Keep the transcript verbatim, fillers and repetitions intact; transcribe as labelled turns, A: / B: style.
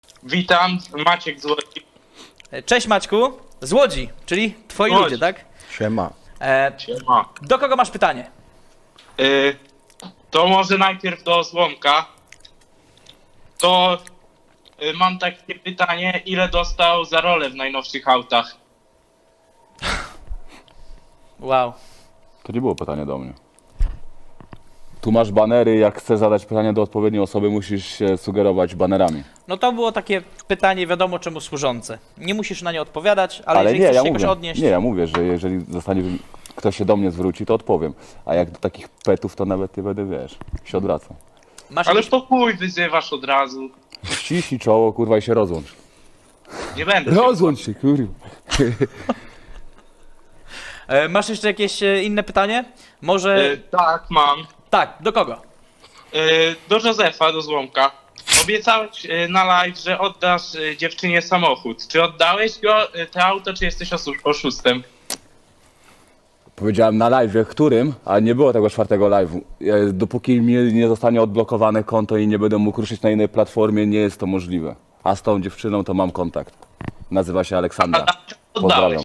A: Witam, Maciek z Łodzi.
B: Cześć Maćku, z Łodzi, czyli twoi
A: Łodzi.
B: ludzie, tak?
C: Siema.
B: E,
A: Siema.
B: do kogo masz pytanie?
A: Y, to może najpierw do Złomka. To y, mam takie pytanie, ile dostał za rolę w najnowszych autach?
B: Wow.
D: To nie było pytanie do mnie. Tu masz banery, jak chcesz zadać pytanie do odpowiedniej osoby, musisz się sugerować banerami.
B: No to było takie pytanie wiadomo czemu służące. Nie musisz na nie odpowiadać, ale, jeżeli
D: nie,
B: chcesz
D: ja
B: się jakoś
D: mówię,
B: odnieść...
D: nie, ja mówię, że jeżeli zostanie, ktoś się do mnie zwróci, to odpowiem. A jak do takich petów, to nawet nie będę, wiesz, się odwracał.
B: Masz
A: Ale
B: jakieś...
A: po chuj wyzywasz od razu.
D: Ściśnij czoło, kurwa, i się rozłącz.
A: Nie będę.
D: Rozłącz się, kurwa.
B: e, masz jeszcze jakieś e, inne pytanie? Może...
A: Y, tak, mam.
B: Tak, do kogo?
A: Y, do Józefa, do Złomka. Obiecałeś y, na live, że oddasz y, dziewczynie samochód. Czy oddałeś go, y, to auto, czy jesteś osu- oszustem?
D: Powiedziałem na live, którym, a nie było tego czwartego live'u. Ja- Dopóki mi nie zostanie odblokowane konto i nie będę mógł ruszyć na innej platformie, nie jest to możliwe. A z tą dziewczyną to mam kontakt. Nazywa się Aleksandra.
A: Oddałeś.
D: Pozdrawiam.